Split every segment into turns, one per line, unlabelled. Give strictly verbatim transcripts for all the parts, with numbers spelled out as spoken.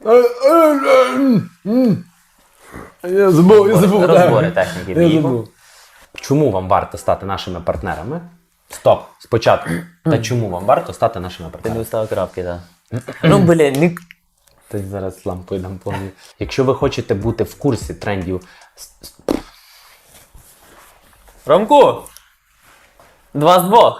Я забув, я забув.
Розбори техніки
Я
бігу.
забув.
Чому вам варто стати нашими партнерами? Стоп, спочатку. Та чому вам варто стати нашими
Ти
партнерами?
не вставив крапки, так. Ну, блін, ні.
Ти зараз лампою дам повні. Якщо ви хочете бути в курсі трендів...
Ромку! Два з двох.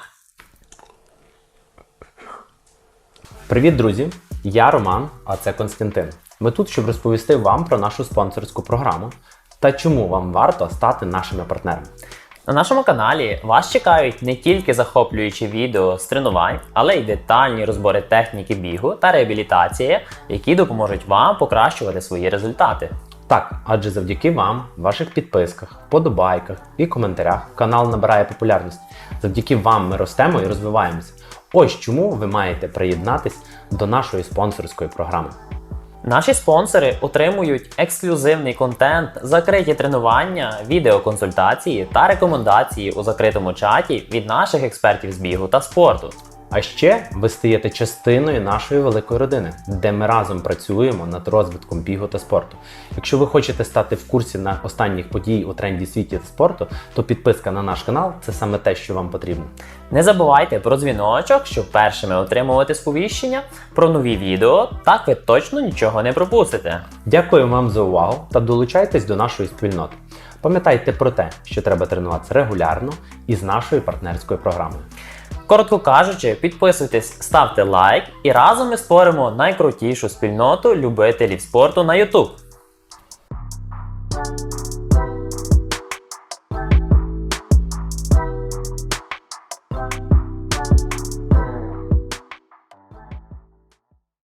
Привіт, друзі! Я Роман, а це Константин. Ми тут, щоб розповісти вам про нашу спонсорську програму та чому вам варто стати нашими партнерами.
На нашому каналі вас чекають не тільки захоплюючі відео з тренувань, але й детальні розбори техніки бігу та реабілітації, які допоможуть вам покращувати свої результати.
Так, адже завдяки вам, ваших підписках, подобайках і коментарях канал набирає популярність. Завдяки вам ми ростемо і розвиваємося. Ось чому ви маєте приєднатись до нашої спонсорської програми.
Наші спонсори отримують ексклюзивний контент, закриті тренування, відеоконсультації та рекомендації у закритому чаті від наших експертів з бігу та спорту.
А ще ви стаєте частиною нашої великої родини, де ми разом працюємо над розвитком бігу та спорту. Якщо ви хочете стати в курсі на останніх подій у тренді світі та спорту, то підписка на наш канал – це саме те, що вам потрібно.
Не забувайте про дзвіночок, щоб першими отримувати сповіщення про нові відео, так ви точно нічого не пропустите.
Дякую вам за увагу та долучайтесь до нашої спільноти. Пам'ятайте про те, що треба тренуватися регулярно і з нашою партнерською програмою.
Коротко кажучи, підписуйтесь, ставте лайк і разом ми створимо найкрутішу спільноту любителів спорту на YouTube.